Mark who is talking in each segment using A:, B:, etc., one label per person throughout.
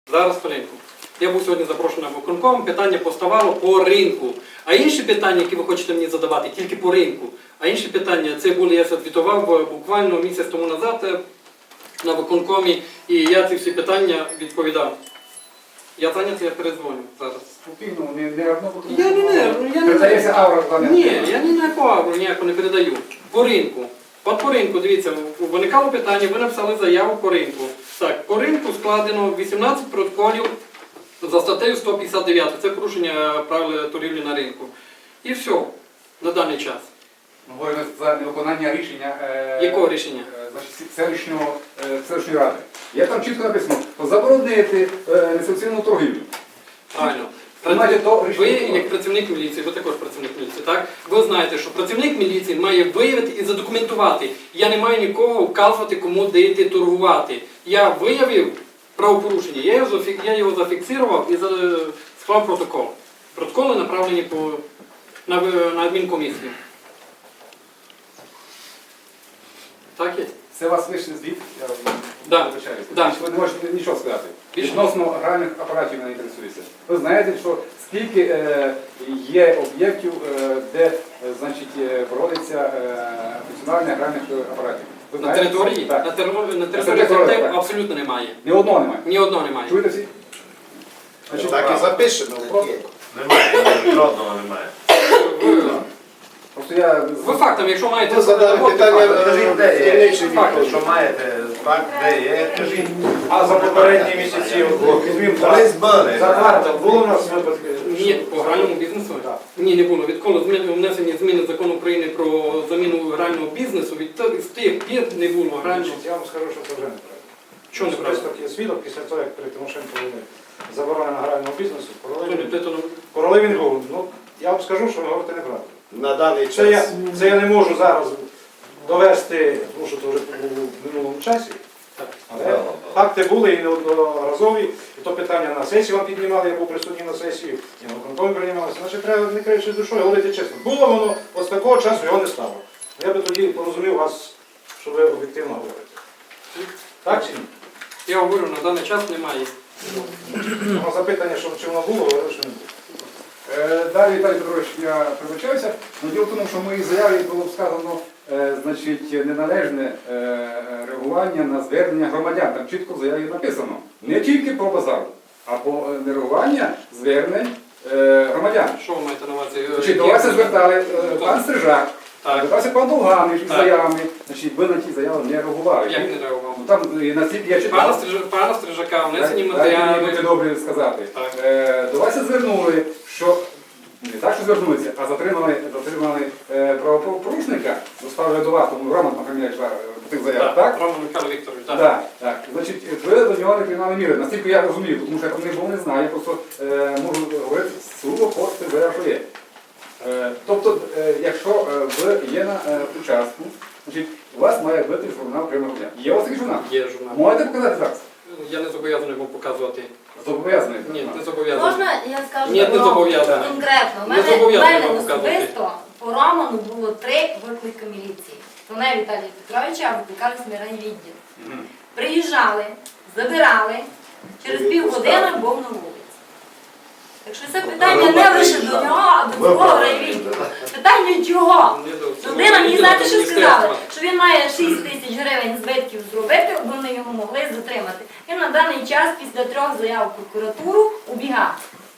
A: Зараз по ринку. Я був сьогодні запрошений на виконком, питання поставало по ринку. А інші питання, які ви хочете мені задавати, тільки по ринку. А інші питання, це були, я звітував буквально місяць тому назад на виконкомі, і я ці всі питання відповідав. Я зайнятий, я передзвоню зараз.
B: Спокійно, не одно бо
A: Передається
B: аура з вами.
A: Ні, я ніяку агру ніяку не передаю. По ринку. От по ринку, дивіться, виникало питання, ви написали заяву по ринку. Так, по ринку складено 18 протоколів за статтею 159. Це порушення правил торгівлі на ринку. І все, на даний час.
B: Ми говоримо за невиконання рішення.
A: Якого рішення?
B: Селищної ради. Я там чітко написано, заборонити несанкціоновану торгівлю.
A: Правильно. Ви, як працівник міліції, ви також працівник міліції, так? Ви знаєте, що працівник міліції має виявити і задокументувати. Я не маю нікого вказувати, кому де йти торгувати. Я виявив правопорушення, я його зафіксував і склав протокол. Протоколи направлені на адмінкомісію. Так є?
B: Це у вас вийшли звіт, я вибачаюся.
A: Да.
B: Ви не можете нічого сказати. Відносно гральних апаратів мене інтересується. Ви знаєте, що скільки є об'єктів, де проводиться функціонування гральних апаратів?
A: На території?
B: Так.
A: На території абсолютно немає.
B: Ні одного немає?
A: Ні одного немає.
B: Чуєте всі?
C: Так і запишемо.
D: Немає, жодного немає.
A: Ви фактом, якщо маєте...
C: Ви задали питання,
D: Якщо маєте факт, де є, кажіть.
E: А за попередні місяці,
D: Колись були.
E: за квартал, було у нас випадки?
A: Ні, по гральному бізнесу? Ні, не було. Відколи внесені зміни закону України про заміну грального бізнесу, з тих пір не було грального.
E: Я вам скажу, що це вже неправильно.
A: Чого неправильно?
E: Особисто є свідок після того, як при Тимошенко були заборонена грального бізнесу,
A: Тобто,
E: коли він був. Ну, я вам скажу, що ви говорите неправду.
C: На даний
E: Це
C: час.
E: я не можу зараз довести, тому що це вже було в минулому часі. Але факти були і неодноразові, і то питання на сесії вам піднімали, я був присутній на сесії, і на виконкомі приймалося. Значить, треба не кривши душою, говорити чесно. Було воно, ось такого часу його не стало. Я би тоді порозумів вас, що ви об'єктивно говорите. Так чи ні?
A: я говорю, на даний час немає.
E: На запитання, чи воно було, говорили, що не було.
B: Далі, Віталій Петрович, я прибачаюся. Діло в тому, що в моїй заяві було сказано неналежне реагування на звернення громадян. Там чітко в заяві написано. Не тільки про базар, а по нереагування звернень громадян.
A: Що ви маєте на увазі?
B: До вас звертали пан Стрижак,
A: Так.
B: звертався пан Довганич із заявами. Ви на ті заяви не реагували.
A: Як не реагував?
B: Там настільки я читав.
A: Пана Стрижака, внесені
B: Будьте
A: матеріали.
B: добрі сказати. До вас звернули, що не так, що звернулися, а затримали правопорушника, доставили до вас, тому Роман Махаміляч по тих заявах, так?
A: Роман Михайло Вікторович, так.
B: Так. Значить, ви до нього не приймали міри, наскільки я розумію, тому що я про них був не знаю, я просто можу говорити суво по тих заявах, що є. Тобто, якщо ви є на участку, значить, у вас має бути журнал прийому громадян. Є у вас такий журнал?
A: Є журнал.
B: Можете показати зараз?
A: Я не зобов'язаний вам показувати.
B: Зобов'язаний?
A: Ні, не зобов'язаний.
F: Можна я скажу
A: Ні, не зобов'язаний.
F: конкретно? У
A: Не зобов'язаний
F: мене
A: вам показувати.
F: особисто по Роману було 3 виклики міліції. Мене Віталія Петровича викликали з райвідділ. Приїжджали, забирали, через півгодини був на вулиці. Так що це питання не лише до нього, а до цього райвідділу. Питання чого? Людина, мені знаєте, що сказали? Що він має 6 тисяч гривень збитків зробити, вони його могли затримати. Він на даний час після 3 заяв в прокуратуру убігав.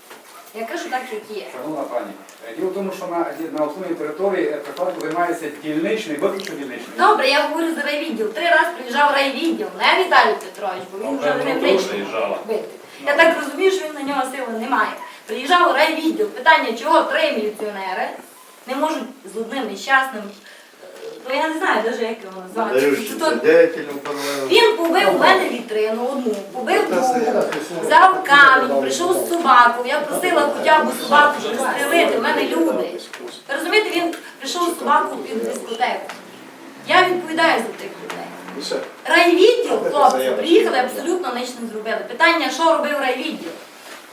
F: Я кажу так, як є.
B: Шановна пані, діло в тому, що на основній території прикладку займається дільничний, виключно дільничний.
F: Добре, я говорю за райвідділ. 3 рази приїжджав райвідділ, не Віталій Петрович, бо він вже не вдячний бити. Я так розумію, що він на нього сили немає. Приїжджав райвідділ. Питання, чого 3 міліціонери не можуть з одним нещасним, ну я не знаю навіть, як його назвати. Він побив у мене вітрину одну, побив другу, взяв камінь, прийшов з собакою, я просила хоча б собаку пристрелити, в мене люди. Ви розумієте, він прийшов з собакою під дискотеку. Я відповідаю за тих людей. Райвідділ, хлопці, приїхали, абсолютно ніч не зробили. Питання, що робив райвідділ?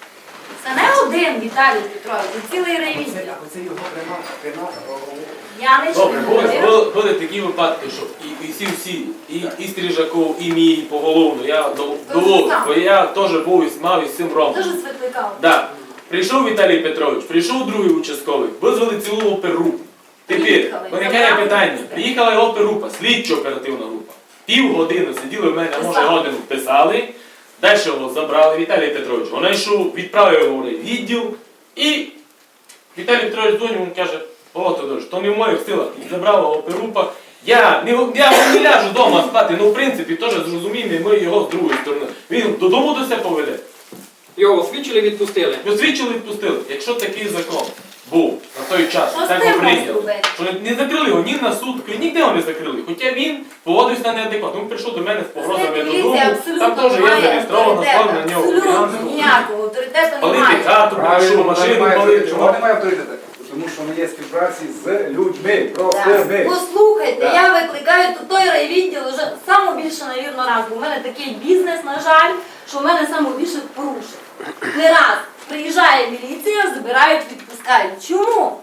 F: Це не один Віталій Петрович, це цілий райвідділ.
B: Це його пряма.
F: Я не
G: Добре,
F: чую.
G: були такі випадки, що і всі, і Стрижаков, і мій поголовно, я довод, бо я теж був і мав із цим ромом.
F: Дуже світликав.
G: Да. Прийшов Віталій Петрович, прийшов другий участковий, визвали цілу опергрупу. Тепер
F: Приїхали,
G: виникає
F: забрали.
G: питання. Приїхала його опергрупа, слідчо-оперативна група. Півгодини сиділи в мене, а може годину писали. Далі його забрали, Віталій Петрович. Вона йшов, відправив його в відділ. І Віталій Петрович дзвонив, він каже: о, Тодорович, то не в моїх силах. І забрала опергрупа. Я не ляжу вдома спати, ну в принципі теж зрозуміємо, ми його з другої сторони. Він додому до себе поведе.
A: Його освічили, відпустили.
G: Освічили, відпустили. Якщо такий закон був на той час,
F: Що з
G: так
F: тим
G: би прийняли,
F: зробити?
G: що не закрили його ні на суд, ніде його не закрили. Хоча він поводився неадекватно. Він прийшов до мене з погрозами додому,
F: Поліція
G: там теж
F: абсолютно
G: є
F: немає
G: зареєстровано, склав на нього
F: Абсолютно
G: фінансово.
F: ніякого авторитету
G: Палити
F: немає.
G: хату, прийшов, машину палити.
B: Чого немає авторитету? Тому що ми є співпраці з людьми, простими.
F: Послухайте,
B: Так.
F: я викликаю тут той райвідділ вже саме більше, навірно, раз, бо в мене такий бізнес, на жаль, що в мене саме більше порушень. Не раз приїжджає міліція, забирають, відпускають. Чому?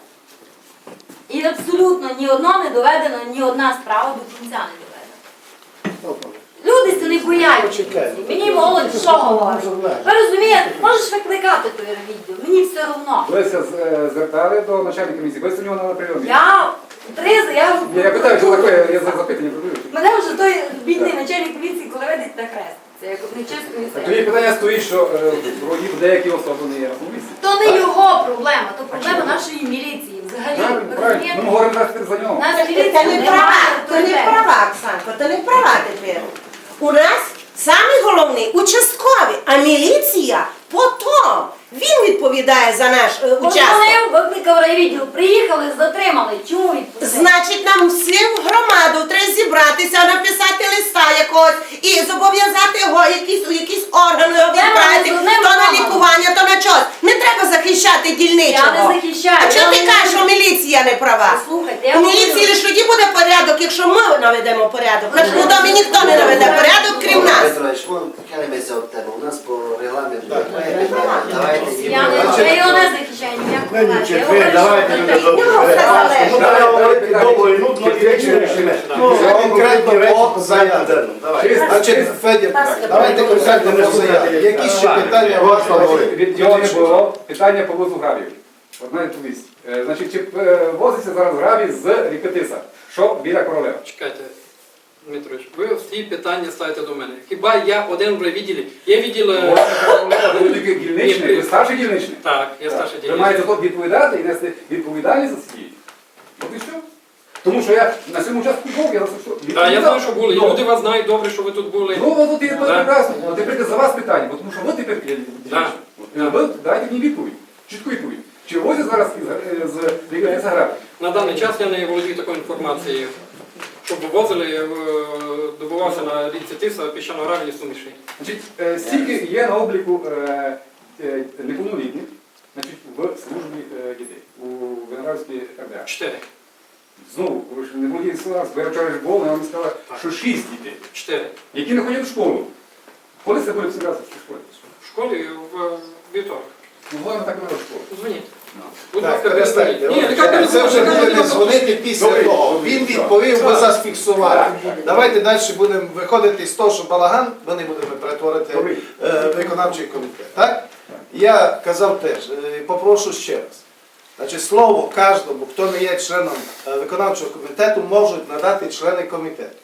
F: І абсолютно ні одно не доведено, ні одна справа до кінця не доведена. Люди це не бояться. Мені молодь що говорить? Ви розумієте, можеш викликати той райвідділ, мені все одно.
B: Ви звертали до начальника місії, ви у нього на прийомі.
F: Я 3 заяви.
B: Я питаю, що таке, я за запитання продаю.
F: Мене вже той бідний начальник поліції, коли видить на хрест. Це як нечесно і
B: Тоді
F: все.
B: питання стоїть, що вроді деякі особи не є на місці.
F: То не його проблема, то проблема нашої міліції взагалі. Ви
B: Правильно, ми
F: розумієте?
B: говоримо зараз тепер за нього.
F: Наша
H: Це
F: міліція
H: не
F: не
H: права,
F: має
H: то не
F: авторитету.
H: права, Оксанко, то не права тепер. У нас самі головний участкові, а міліція потім. Він відповідає за наш участок.
F: Позвонив, викликав райвідділ, приїхали, затримали. Чому відпустили?
H: Значить, нам всім в громаду треба зібратися, написати листа якогось і зобов'язати його у якісь органи його відправити,
F: з одним
H: то на
F: номером.
H: лікування, то на щось. Не треба захищати дільничого.
F: Я не захищаю.
H: А чого
F: я
H: ти
F: не
H: кажеш, що міліція не права?
F: Послухайте, я
H: У міліції лише тоді буде порядок, якщо ми наведемо порядок. В нашому домі ніхто не наведе порядок, крім нас.
I: Петрович, відхилимося від тебе. У нас по регламенту немає питання. Давайте
F: Я його не захищаю ніякого
C: Ну,
F: разу. Я
C: нічого,
F: говорю,
C: давайте
F: що
C: люди
F: це-
C: добре.
H: Ну, все залежить.
C: Ну, давай говорити довго і нудно, і речі рішимо. Ну, конкретно по заяві. Значить, Федір, давайте конкретно по заяві. Які ще питання у вас
B: Значить, від його не було питання по вузу гравію. Одна відповість. Значить, чи возиться зараз гравій з ріки Тиса? Що біля Королева?
A: Чекайте, Дмитрович, ви всі питання ставите до мене. Хіба я один в райвідділі? Є відділ...
B: Ви тільки дільничний, ви старший дільничний.
A: Так, я старший
B: Ви
A: дільничний.
B: маєте тут відповідати і нести відповідальність за свій. От і все. Тому що я на цьому участку був, я за що.
A: Так, я знаю, що були. І
B: Ну,
A: люди вас знають добре, що ви тут були.
B: Ну, от і
A: Да.
B: прекрасно. От тепер за вас питання, бо тому що ви тепер є
A: Да.
B: дільничний. Ви дайте мені відповідь, чітку відповідь. Чи возять зараз з ріки Тиса гравій?
A: На даний час я не володію такою інформацією. Щоб вивозили, добувався на річці Тиса піщано-гравійні суміші.
B: Значить, стільки є на обліку неповнолітніх, значить, в службі дітей у Виноградській РДА.
A: 4.
B: Знову, ви ж не володієте словами, бо я вчора ж був, я вам сказала, що 6 дітей,
A: 4.
B: які не ходять в школу. Коли це буде всі разом в школі?
A: В школі в вівторок.
B: Ну, головне так не в школу.
A: Дзвоніть. Будь
C: Так,
A: ласка,
C: перестаньте.
A: перезвоніть. Ні, яка
C: Це вже
A: перезвоніть?
C: будете дзвонити після
B: Добре.
C: того. Він відповів, ви зафіксували. Давайте далі будемо виходити з того, що балаган, ми не будемо перетворити
B: Добре.
C: виконавчий комітет. Так? Я казав теж, попрошу ще раз. Значить, слово кожному, хто не є членом виконавчого комітету, можуть надати члени комітету.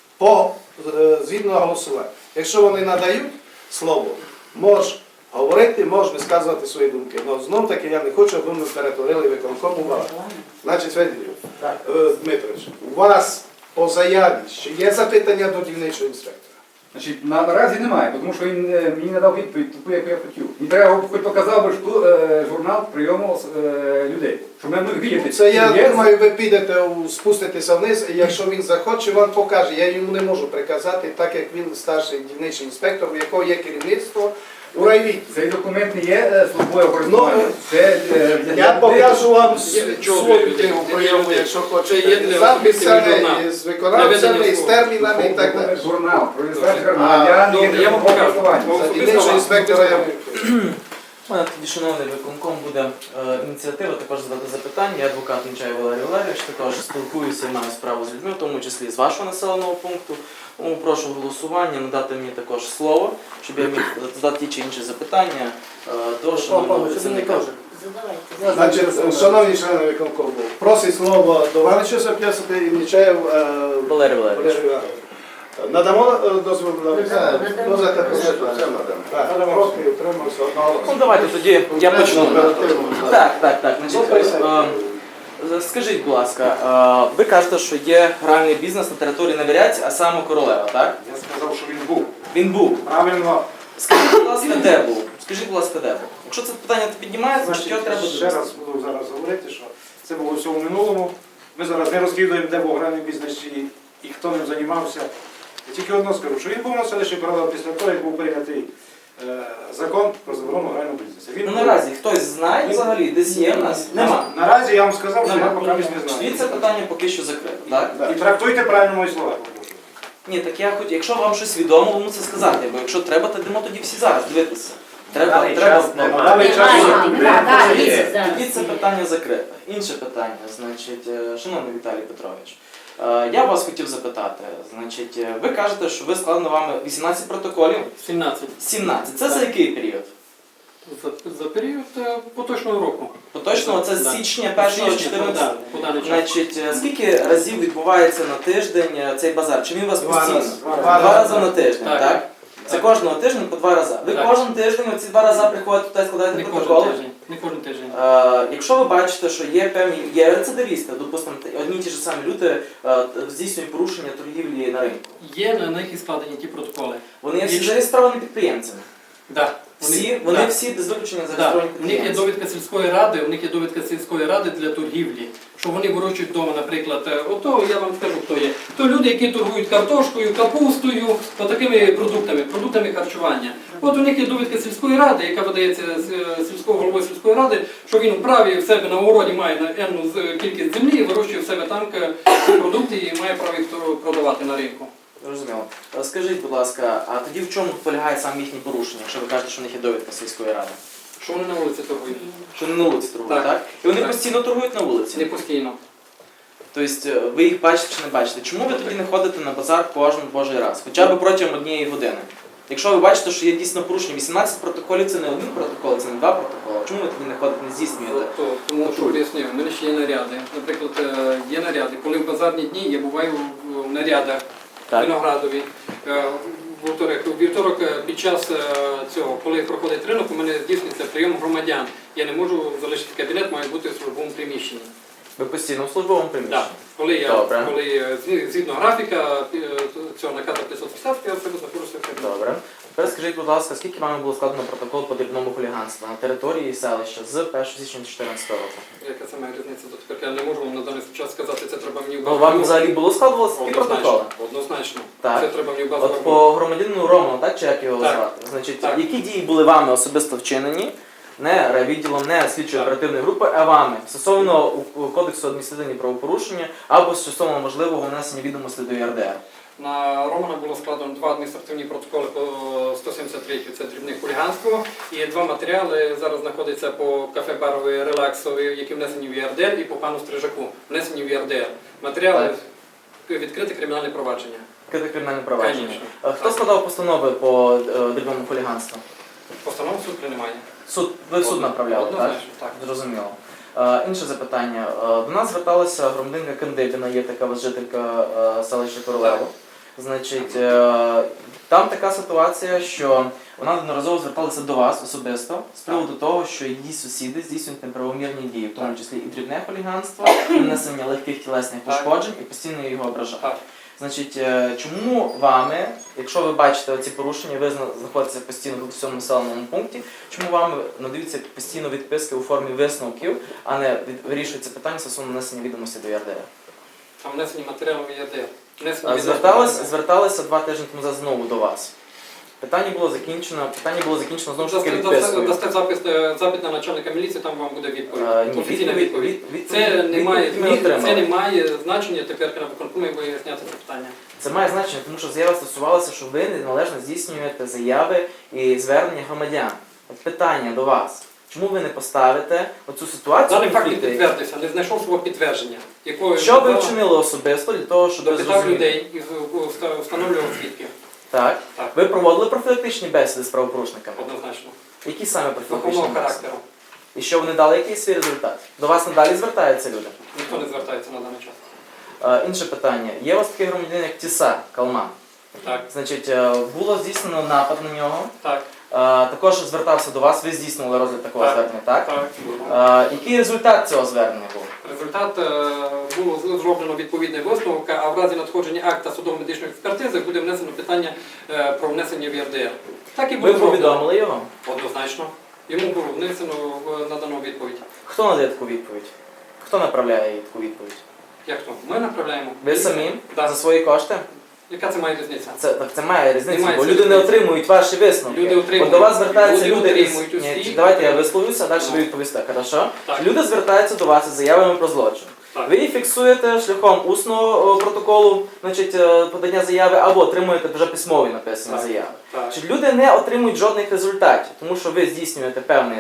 C: Згідно голосування. Якщо вони надають слово, можеш говорити, можеш висказувати свої думки. Але знов таки я не хочу, аби ми перетворили виконком у балаган. Значить, Федорів, Дмитрович, у вас по заяві ще є запитання до дільничого інспектора?
B: Значить, наразі немає, тому що він мені не дав відповідь таку, яку я хотів. Мені треба, хоч показав би що, журнал прийому людей, щоб ми могли видіти.
C: Це я
B: чи є
C: думаю, ви підете, спуститеся вниз, і якщо він захоче, вам покаже. Я йому не можу приказати, так як він старший дільничний інспектор, у якого є керівництво у райвідділі.
B: Цей документ не є службове користування. Це
C: Я покажу вам
A: Чого
C: свою
A: ви
C: книгу
A: любите?
C: прийому,
A: Це є
C: якщо
A: для
C: хочете.
A: особистого журналу.
C: Записане з виконавцями,
A: Наведення
C: з термінами і так далі.
B: Журнал про реєстрацію
A: Добре.
B: громадян,
A: Добре,
B: є
A: я вам
B: службове
A: покажу.
B: користування.
A: Вам
C: За
A: особисто
C: дільничного
A: вам.
C: інспектора я
J: У мене тоді, шановний виконком, буде ініціатива також задати запитання. Я адвокат Нечай Валерій Валерійович, також спілкуюся і маю справу з людьми, в тому числі з вашого населеного пункту. Тому прошу голосування, надати мені також слово, щоб я міг задати ті чи інші запитання до шановного працівника.
C: Значить, шановні члени виконкому, просить слово до Ванича записати і Нечаєв
J: Валерій Валерійович.
C: Надамо дозвіл на проти, утримався одного.
J: Ну давайте тоді я почну. Так. Значить, скажіть, будь ласка, ви кажете, що є гральний бізнес на території Невіряць, а саме Королева, так?
E: Я сказав, що він був.
J: Він був.
E: Правильно.
J: Скажіть, будь ласка, де був? Скажіть, будь ласка, де був? Якщо це питання піднімається, значить
E: Значить,
J: його треба
E: ще
J: довести.
E: раз буду зараз говорити, що це було все в минулому. Ми зараз не розслідуємо, де був гральний бізнес і хто ним займався. Я тільки одно скажу, що він був на селищі Королева після того, як був прийнятий закон про заборону грального бізнесу.
J: Ну наразі хтось знає взагалі, десь є в нас? Нема.
E: Наразі я вам сказав, що я поки не знаю.
J: І це питання поки що закрите, так?
E: І трактуйте правильно мої слова.
J: Ні, так я хоч, якщо вам щось відомо, ви мусите сказати, бо якщо треба, то йдемо тоді всі зараз дивитися. Треба. Тоді це питання закрите. Інше питання, значить, шановний Віталій Петрович, я вас хотів запитати, значить, ви кажете, що ви складено вами 18 протоколів?
A: 17.
J: 17. Це за який період?
A: За період поточного року.
J: Поточного це з січня 1-го 14.
A: по даний час.
J: Значить, скільки разів відбувається на тиждень цей базар? Чи він у вас постійно?
C: Два
J: Два рази на тиждень,
A: Так.
J: так? Це кожного тижня по 2 рази. Ви
A: Так.
J: кожен тиждень оці 2 рази приходите туди, складаєте
A: Не
J: протоколи?
A: кожен тиждень. Не кожен тиждень.
J: Якщо ви бачите, що є певні рецидивісти, допустимо, одні й ті ж самі люди здійснюють порушення торгівлі на ринку.
A: Є на них і складені ті протоколи.
J: Вони є всі
A: Якщо-
J: зареєстровані підприємцями.
A: Да.
J: Вони всі без виключення
A: Да.
J: зареєстровані
A: У них є
J: підприємцями.
A: довідка сільської ради, у них є довідка сільської ради для торгівлі. Що вони вирощують вдома, наприклад, ото я вам скажу, хто є. То люди, які торгують картошкою, капустою, такими продуктами харчування. От у них є довідка сільської ради, яка видається сільського голови сільської ради, що він вправі в себе на городі має на енну кількість землі і вирощує в себе там продукти і має право їх продавати на ринку.
J: Зрозуміло. Скажіть, будь ласка, а тоді в чому полягає саме їхні порушення, якщо ви кажете, що в них є довідка сільської ради?
A: Що вони на вулиці торгують?
J: Що вони на вулиці торгують, так?
A: Так.
J: І вони
A: Так.
J: постійно торгують на вулиці?
A: Не постійно.
J: Тобто ви їх бачите чи не бачите? Чому ви тоді не ходите на базар кожен божий раз? Хоча б протягом 1 години? Якщо ви бачите, що є дійсно порушення, 18 протоколів це не 1 протокол, це не 2 протоколи. Чому ви тоді не ходите, не здійснюєте?
A: Тому що пояснюю, в мене ще є наряди. Наприклад, є наряди. Коли в базарні дні я буваю в нарядах в Виноградові. У вівторок під час цього, коли проходить ринок, у мене здійснюється прийом громадян. Я не можу залишити кабінет, має бути в службовому приміщенні.
J: Ви постійно в службовому приміщенні?
A: Так. Коли згідно графіка цього наказу 550, я в себе знаходжуся в кабінеті.
J: Добре. Тепер скажіть, будь ласка, скільки вами було складено протокол по дрібному хуліганству на території селища з 1 січня 2014 року?
A: Яка це має різниця до тепер? Я не можу вам на даний час сказати, це треба мені в
J: Ну, вам взагалі було складувалося такі протоколи?
A: Однозначно.
J: Так.
A: Це треба мені в базу.
J: От по громадянину Роману, так, чи як його
A: Так.
J: звати? Значить,
A: Так.
J: які дії були вами особисто вчинені, не райвідділом, не слідчої оперативної групи, а вами, стосовно Кодексу адміністративних правопорушення або стосовно можливого внесення відомостей до ЄРДР?
A: На Романа було складено 2 адміністративні протоколи по 173, це дрібне хуліганство, і 2 матеріали зараз знаходяться по кафе барові релаксові, які внесені в ЄРДР, і по пану Стрижаку, внесені в ЄРДР. Матеріали відкрите кримінальне провадження.
J: Відкрите кримінальне провадження.
A: Конечно.
J: Хто складав постанови по дрібному хуліганству?
A: Постанову суд приймає.
J: Ви в суд направляли, так?
A: Однозначно, так.
J: Зрозуміло. Інше запитання. До нас зверталася громадянка Кандибіна, є така жителька селища Королево.
A: Так.
J: Значить, там така ситуація, що вона неодноразово зверталася до вас особисто з приводу того, що її сусіди здійснюють неправомірні дії, в тому числі і дрібне хуліганство, і нанесення легких тілесних пошкоджень, і постійно його ображають.
A: Так.
J: Значить, чому вами, якщо ви бачите ці порушення, ви знаходитеся постійно в цьому населеному пункті, чому вами надаються постійно відписки у формі висновків, а не вирішується питання стосовно нанесення відомості до ЄРДР?
A: Там внесені матеріали в ЄРДР.
J: Зверталися 2 тижні тому назад знову до вас. Питання було закінчено знову ж таки відпискою.
A: Дасте запит на начальника міліції, там вам буде відповідь.
J: Ні,
A: Офіційна відповідь.
J: відповідь
A: Це не має значення тепер на виконкомі виясняти це питання.
J: Це має значення, тому що заява стосувалася, що ви неналежно здійснюєте заяви і звернення громадян. питання до вас. Чому ви не поставите оцю ситуацію?
A: Даний факт не
J: конфлікту?
A: підтвердився, не знайшов свого підтвердження. Якою
J: Що ви вчинили особисто для того, щоб
A: допитав
J: зрозуміти?
A: людей і встановлював свідків.
J: Так.
A: Так.
J: Ви проводили профілактичні бесіди з правопорушниками?
A: Однозначно.
J: Які саме профілактичні
A: Духовного
J: бесіди?
A: характеру.
J: І що вони дали якийсь свій результат? До вас надалі звертаються люди?
A: Ніхто не звертається на даний час.
J: Інше питання. Є у вас такий громадянин, як Тіса Калман.
A: Так,
J: Значить, було здійснено напад на нього.
A: так,
J: Також звертався до вас, ви здійснювали розгляд такого
A: Так.
J: звернення, так?
A: так.
J: Який результат цього звернення був?
A: Результат було зроблено відповідний висновок, а в разі надходження акта судово-медичної експертизи буде внесено питання про внесення в ЄРДР. Так і
J: Ви
A: було зроблено.
J: повідомили його?
A: Однозначно. Йому було внесено, надано відповідь.
J: Хто надає таку відповідь? Хто направляє їй таку відповідь?
A: Як то? Ми направляємо.
J: Ви самі?
A: Так.
J: За свої кошти?
A: Яка це має різниця?
J: Це має різницю,
A: Немає
J: бо
A: це
J: люди не
A: різниці.
J: отримують ваші висновки.
A: Люди отримують.
J: От до вас звертаються
A: Люди
J: люди із...
A: отримують
J: Ні,
A: усі.
J: давайте я висловлюся, а далі ви відповісте, хорошо?
A: Так.
J: Люди звертаються до вас із заявами про злочин.
A: Так.
J: Ви їх фіксуєте шляхом усного протоколу, значить, подання заяви, або отримуєте вже письмові написані
A: Так.
J: заяви.
A: Так.
J: Значить, люди не отримують жодних результатів, тому що ви здійснюєте певну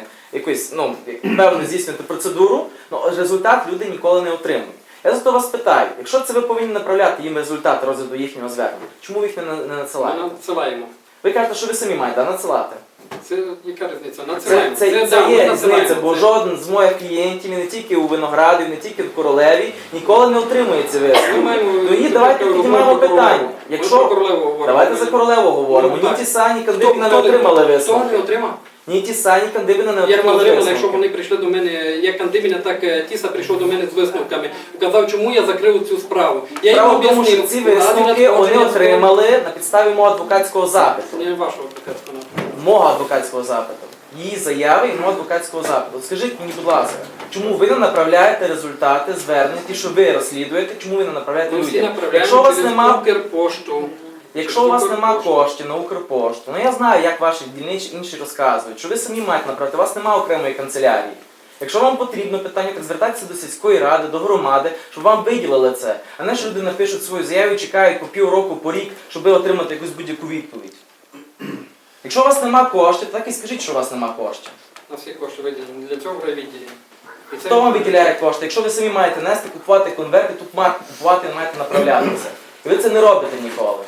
J: здійснюєте процедуру, але результат люди ніколи не отримують. Я зато вас питаю, якщо це ви повинні направляти їм результати розгляду їхнього звернення, чому ви їх не
A: Ми
J: надсилаєте?
A: надсилаємо.
J: Ви кажете, що ви самі маєте надсилати.
A: Це яка різниця?
J: Це
A: Надсилаємо.
J: да,
A: ми
J: є
A: надсилаємо.
J: різниця, бо
A: Це-
J: жоден з моїх клієнтів, і не тільки у Винограді, не тільки в Королеві, ніколи не отримує ці
A: Ми
J: висновки.
A: маємо
J: Тоді давайте
A: розмову
J: піднімаємо
A: про Королеву.
J: питання.
A: Ми про
J: Якщо
A: Королеву говоримо.
J: давайте за Королеву говоримо,
A: Ну,
J: ні
A: так.
J: ті Сані
A: Хто
J: Кандибіна не
A: не-
J: отримали
A: Хто не
J: висновки.
A: отримав?
J: Ні ті Сані Кандибіна не
A: Як ми
J: отримали
A: отримали, якщо
J: висновки.
A: вони прийшли до мене, як Кандибіна, так Тіса прийшов до мене з висновками. Казав, чому я закрив цю справу. Я йому
J: Справа в тому, що
A: об'яснив.
J: ці
A: в разі
J: висновки вони
A: надходження
J: отримали на підставі мого адвокатського запиту.
A: Не вашого адвокатського.
J: Мого адвокатського запиту. Її заяви і мого адвокатського запиту. От скажіть мені, будь ласка, чому ви не направляєте результати звернень, ті, що ви розслідуєте, чому ви не направляєте
A: Ми всі
J: людям?
A: направляємо
J: Якщо у вас
A: через
J: нема
A: Укрпошту.
J: Якщо у вас нема коштів на Укрпошту, ну я знаю, як ваші дільничі інші розказують, що ви самі маєте направити, у вас немає окремої канцелярії. Якщо вам потрібно питання, так звертайтеся до сільської ради, до громади, щоб вам виділили це. А не що люди напишуть свою заяву і чекають по півроку, по рік, щоб ви отримати якусь будь-яку відповідь. Якщо у вас нема коштів, так і скажіть, що у вас нема коштів.
A: На всі кошти виділені. Для цього вже відділені. І це-
J: Хто вам виділяє кошти? Якщо ви самі маєте нести, купувати конверти, тут марки купувати, маєте направлятися. І ви це не робите ніколи.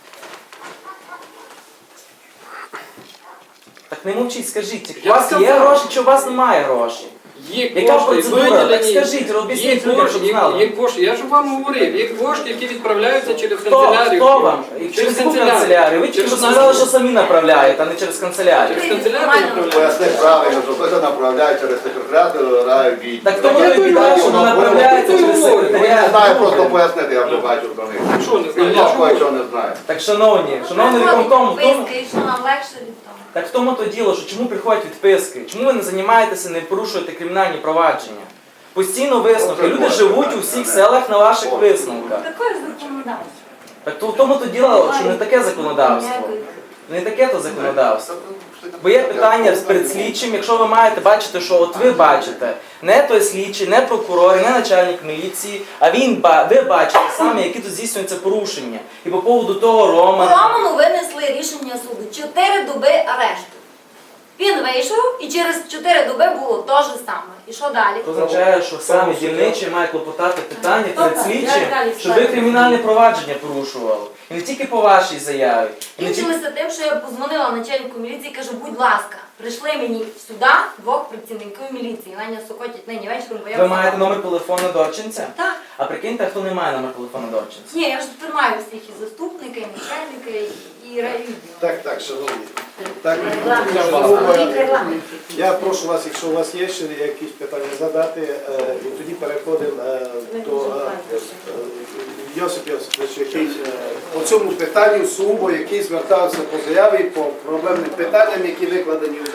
J: Так не мовчіть, скажіть, у
A: Я
J: вас є
A: сказав.
J: гроші чи у вас немає грошей?
A: Є
J: Яка
A: кошти
J: процедура?
A: виділені.
J: Так скажіть, об'ясніть
A: Є
J: людям,
A: кошти,
J: щоб знали.
A: Є кошти. Я ж вам говорив, є кошти, які відправляються через
J: Хто
A: канцелярію.
J: вам? Через яку канцелярію? Ви тільки що сказали, що самі направляєте, а не через канцелярію.
A: Через канцелярію направляються.
D: Поясни правильно, що хтось направляє через секретаріат райвідділу.
J: Так тому не відповідає, що не направляється через
D: Я не
J: секретаріат.
D: знаю, просто пояснити, я вже бачу до них.
A: Що не знаю?
D: І
A: Я ж
D: знову
A: говорю.
D: що не знаю.
J: Так, шановні виконкому,
F: Виски, що нам легше від того.
J: так в тому то діло, що чому приходять відписки? Чому ви не займаєтеся, не порушуєте кримінальні провадження? Постійно висновки. Люди живуть у всіх селах на ваших висновках.
F: Такое законодавство.
J: Так то в тому то діло, що не таке законодавство. Не таке то законодавство. Бо є питання перед слідчим, якщо ви маєте бачити, що от ви бачите, не той слідчий, не прокурор, не начальник міліції, а ви бачите саме, які тут здійснюються порушення. І по поводу того
F: Роману винесли рішення суду. 4 доби арешту. Він вийшов і через 4 доби було те ж саме. І що далі?
J: це означає, що саме дільничий має клопотати питання перед
F: Добре,
J: слідчим,
F: я далі
J: щоб ви
F: ставлю.
J: кримінальне провадження порушували. І не тільки по вашій заяві. І не тільки...
F: Кінчилося тим, що я позвонила начальнику міліції і кажу, будь ласка, прийшли мені сюди 2 працівників міліції. Наня сокотять нині вечором, бо я
J: Ви
F: в
J: маєте
F: Сокоті.
J: номер телефону Дорченця?
F: Так.
J: А прикиньте, хто не має номер телефону Дорченця?
F: Ні, я ж тримаю всіх і заступника, і начальника, і райвідділу.
C: Так, шановні. Так,
F: Регламент.
C: я прошу вас, якщо у вас є ще якісь питання задати, і тоді переходимо до Йосип Йосипович, який по цьому питанню сугубо, який звертався по заяві по проблемним питанням, які викладені в